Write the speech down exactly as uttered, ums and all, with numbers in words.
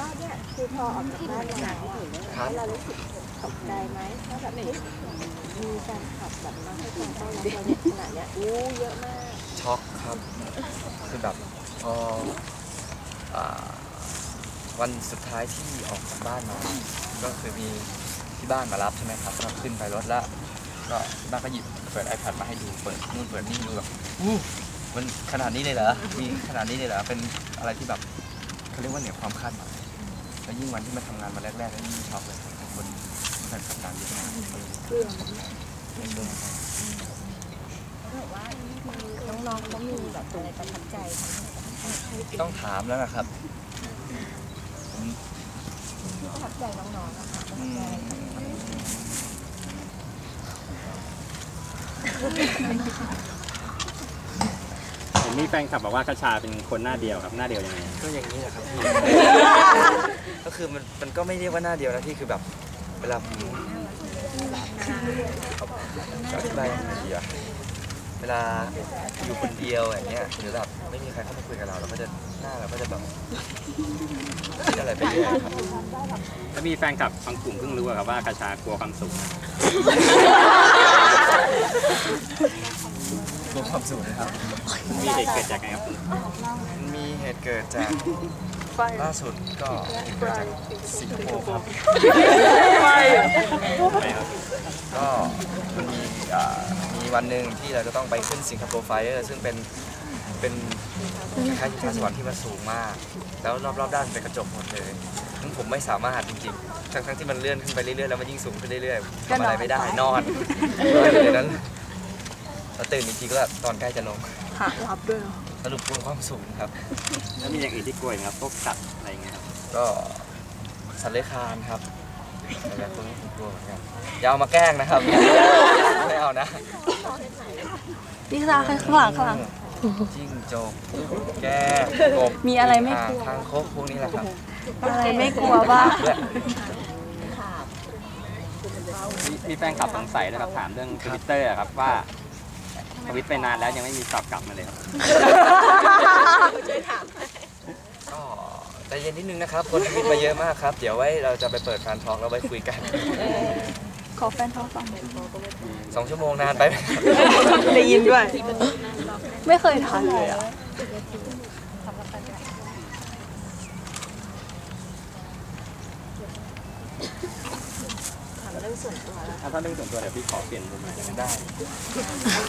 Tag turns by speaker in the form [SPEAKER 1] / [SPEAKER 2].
[SPEAKER 1] เนี่ยคือพอออกจากบ้านมาแล้วอะเรารู้สึกตกใจไหมว่าแบบเฮ้ยมีแฟนคลับแบบมาให้การต้อนรับเราในขนาดเนี้ยอู้เยอะมาก
[SPEAKER 2] ช็อกครับคือแบบพออ่าวันสุดท้ายที่ออกจากบ้านมาก็คือมีที่บ้านมารับใช่ไหมครับก็ขึ้นไปรถแล้วก็บ้านก็หยิบเปิด iPad มาให้ดูเปิดนู่นเปิดนี่ดูแบบอู้มันขนาดนี้เลยเหรอมีขนาดนี้เลยเหรอเป็นอะไรที่แบบเขาเรียกว่าเหนือความคาดหมายแล้วยิ่งวันที่มาทำงานมาแรกๆแล้วยิ่งช็อกเลยคนแฟนคลับตามเยอะมาก
[SPEAKER 1] น้องๆเขามีแบบอะไรประทับใจ
[SPEAKER 2] ต้องถามแล้วนะครับ
[SPEAKER 1] ประทับใจน้องๆนะคะ
[SPEAKER 3] เห็นมีแฟนคลับบอกว่ากระชาเป็นคนหน้าเดียวครับหน้าเดียวยังไง
[SPEAKER 2] ก็อย่างนี้แหละครับพี่ ก็คือมันมันก็ไม่เรียกว่าหน้าเดียวนะพี่คือแบบเวลาผมจะอธิบายยังไงดีอะเวลาอยู่คนเดียวอย่างเงี้ยหรือแบบไม่มีใครเข้ามาคุยกับเราเราก็จะหน้าเราก็จะแบบคิดอะไรไปเรื่อยครับ
[SPEAKER 3] แล้วมีแฟนคลับบางกลุ่มเพิ่งรู้ครับว่ากระชากลัวความสูง
[SPEAKER 2] รวมความสูงนะครับ
[SPEAKER 3] มีเหตุเกิดจากไงครับ
[SPEAKER 2] มันมีเหตุเกิดจากล่าสุดก็เหตุเกิดจากสิงคโปร์ครับก็มันมีอ่ามีวันหนึ่งที่เราจะต้องไปขึ้นสิงคโปร์ไฟเออร์ซึ่งเป็นเป็นคล้ายๆทิวสวรรค์ที่มันสูงมาก แล้วรอบๆด้านเป็นกระจกหมดเลยซึ่งผมไม่สามารถจริงๆทั้งๆที่มันเลื่อนขึ้นไปเรื่อยๆแล้วมันยิ่งสูงขึ้นเรื่อยๆทำอะไรไม่ได้นอนนอนอยู่ในนั้นแล้วตื่นอีกทีก็ตอนใกล้จะลง
[SPEAKER 1] ขาลับด้วย
[SPEAKER 2] สรุปกลัวความสูงครับ
[SPEAKER 3] แล้วมีอย่างอื่นที่กลัวไหมครับพวกสัตว์อะไรอย่างเงี้ยครับ
[SPEAKER 2] ก็สัตว์เลื้อยคลานครับอะไรพวกนี้ผมกลัวเหมือนกันอย่าเอามาแกล้งนะครับไม่เอานะ
[SPEAKER 4] พี่ซาข้างหลังข้างหลัง
[SPEAKER 2] จิ้งจกแก้กบ
[SPEAKER 4] มีอะไรไม่กลัว
[SPEAKER 2] ทางคกพวกนี้แหละครับ
[SPEAKER 4] อะไรไม่กลัวบ้าง
[SPEAKER 3] มีแฟนคลับสงสัยนะครับถามเรื่องทวิตเตอร์ครับว่าทวิตไปนานแล้วยังไม่มีตอบกลับมาเลยครับ
[SPEAKER 2] ก็ใจเย็นนิดนึงนะครับคนทวิตมาเยอะมากครับเดี๋ยวไว้เราจะไปเปิดแฟนทองแล้วไว้คุยกัน
[SPEAKER 4] ขอแฟนท้องฟัง
[SPEAKER 2] สองชั่วโมงนานไปไหม
[SPEAKER 4] ได้ยินด้วยไม่เคยทันเลยอ่ะ
[SPEAKER 3] ถ้าเรื่องส่วนตัวเดี๋ยวพี่ขอเปลี่ยนมุมหน่อยได้